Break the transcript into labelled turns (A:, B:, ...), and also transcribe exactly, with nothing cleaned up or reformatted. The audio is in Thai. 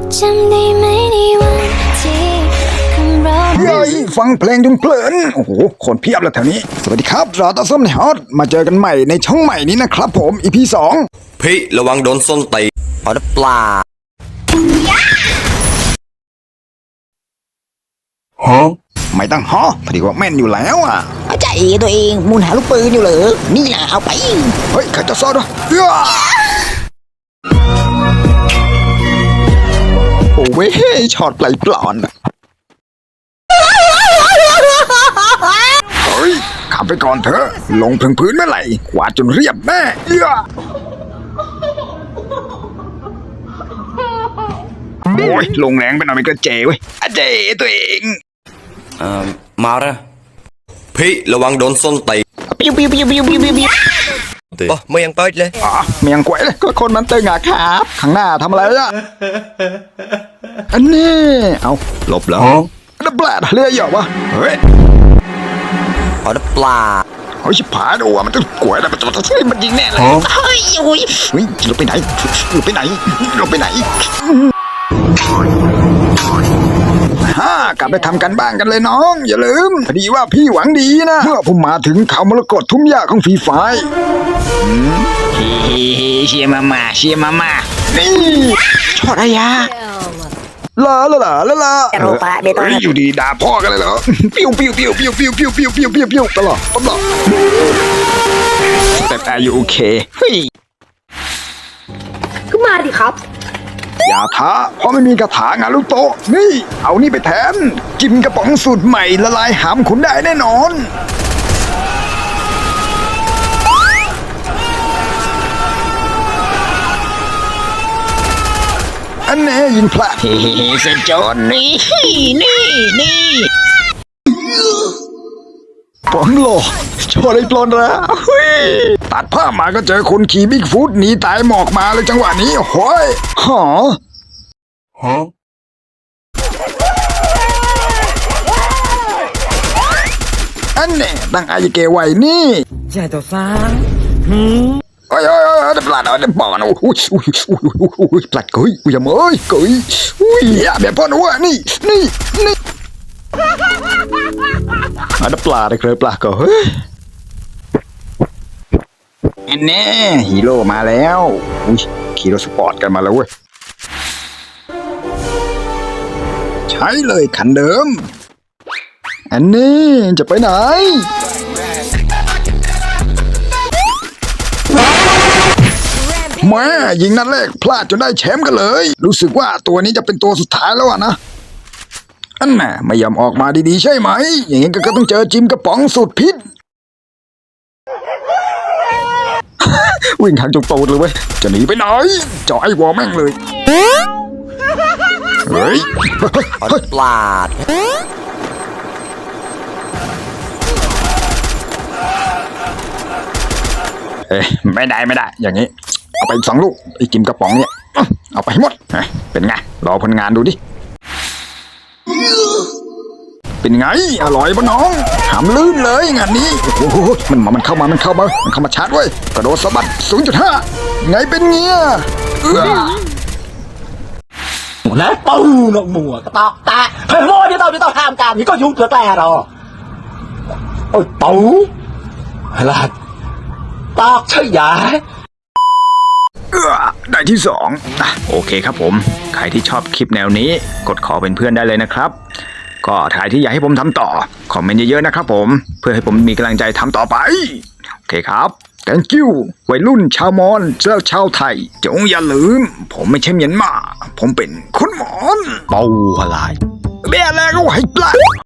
A: จำได้ไหมในวันที่ของเรา
B: เย้ยฟังเพลงจนเพลินโอ้โหคนเพียบเลยแถวนี้สวัสดีครับรอต่อส้มในฮอตมาเจอกันใหม่ในช่องใหม่นี้นะครับผม อี พี สอง
C: พี่ระวังโดนส้นตีเอาได้ปลาฮะ
B: ไม่ต้องฮอพอดีว่าแม่นอยู่แล้วอ่ะ
D: เข้าใจตัวเองมูลหาลูกปืนอยู่เหรอนี่แหละเอาไป
B: เฮ้ยข้าจะซ่อนด้วยเอ้อโอ้เว้ยช็อตไหลปลอนเฮ้ยขับไปก่อนเถอะลงถึงพื้นเมื่อไหร่ขวาดจนเรียบแน่เอ้อโอ้ยลงแรงไปหน่อยมันก็เจ๋เว้ยอะเจ๋ตัวเอง
C: เอ่อมาแล้วพี่ระวังโดนส้นตี
D: ปิ้วปิ้วปิ้วปิ้วปิ้วปิ้ว
C: โอ้ไม่ยังเปิดเลย
B: อ๋อไม่ยังกวยเลยก็คนมันตึงอะครับข้างหน้าทำอะไรอะอันนี้เอาหลบแล้วแล้วแปลดเรียเหรอวะเฮ้ย
C: เอาได้ปลา
B: เฮ้ยชิบหายดูว่ามันจะกวยแล้วมันจะมันยิงแน่เลย
D: เฮ้ยโอ้ย
B: เฮ้ยเราไปไหนเราไปไหนเราไปไหนฮ่ากลับไปทำกันบ้างกันเลยน้องอย่าลืมพอดีว่าพี่หวังดีนะเมื่อผมมาถึงเขามรกตทุ่มหญ้าของฟรีไฟ
D: เฮ้เชียมามาเชียมามา
B: นี่
D: ชอดอะไรอะ
B: ลาลาลาลาลา
D: โรปะเบต้า
B: อยู่ดีด่าพ่อกันเลยเหรอปิ้วปิ้วปิ้วปิ้วปิ้วปิ้วปิ้วปิ้วปิ้วปิ้วตลอดตลอดแต่แต่อยู่โอเคเฮ้ย
D: ก็มาดิครับ
B: อย่าท้าเพราะไม่มีกระถางาลูโตะนี่เอานี่ไปแทนกินกระป๋องสูตรใหม่ละลายหามคุณได้แน่นอนอันแน่ยิงพลาด
D: เฮ้เซนจอนนี่นี่นี่
B: ปอนโลชอได้ปลอนแล้วตัดผ้ามาก็เจอคนขี่บิ๊กฟุตหนีตายหมอกมาเลยจังหวะนี้โอ้ยหอฮะอันนี้ตั้งอายุเกวัยนี่
D: ใช่ตัวฟ้า
B: โอ้ยโอ้ยโอ้ยเด็ดปลาเด็ดปอนโอ้ยโอ้ยโอ้ยโอ้ยปลาเกยกูจะเมยเกยอุ้ยอย่าแบบพ่อหนูนี่นี่นี่มาได้ปลาได้เคยปลาเกยอันนี้ฮีโร่มาแล้วอุ้ยขี่รถสปอร์ตกันมาแล้วเว้ยใช้เลยคันเดิมอันนี้จะไปไหนแม่ยิงนัดแรกพลาดจนได้แชมป์กันเลยรู้สึกว่าตัวนี้จะเป็นตัวสุดท้ายแล้วอะนะอันน่ะไม่ยอมออกมาดีๆใช่ไหมอย่างงี้ก็ต้องเจอจิมกระป๋องสุดพิษวิ่งทางจุกตูดเลยเว้ยจะหนีไปไหนจ่อไอ้วอแม่งเลยเฮ้ย
C: ปลาด
B: เอ้ยไม่ได้ไม่ได้อย่างนี้เอาไปสองลูกไอ้จิมกระป๋องเนี่ยเอาไปหมดเป็นไงรอผลงานดูดิเป็นไงอร่อยปะน้องหามลื่นเลยงานนี้โอ้โหมันมามันเข้ามามันเข้ามามันเข้ามาชาร์จไว้กระโดดสะบัด ศูนย์จุดห้า ไงเป็นเงี้ย
D: แล้วปูนกหมัวกระตอกตาเฮ้ยโม่ที่เราที่เราทำการนี่ก็ยุ่งเถื่อแต่หรอโอ้ยปูอะไรตอกใช่ยา
B: เออได้ที่สองอ่ะโอเคครับผมใครที่ชอบคลิปแนวนี้กดขอเป็นเพื่อนได้เลยนะครับก็ใครที่อยากให้ผมทำต่อคอมเมนต์เยอะๆนะครับผมเพื่อให้ผมมีกำลังใจทำต่อไปโอเคครับ thank you วัยรุ่นชาวมอญและชาวไทยจงอย่าลืมผมไม่ใช่เมียนมาผมเป็นคนมอญเป่าอะไรเบี้ยแล้วก็ให้ปลา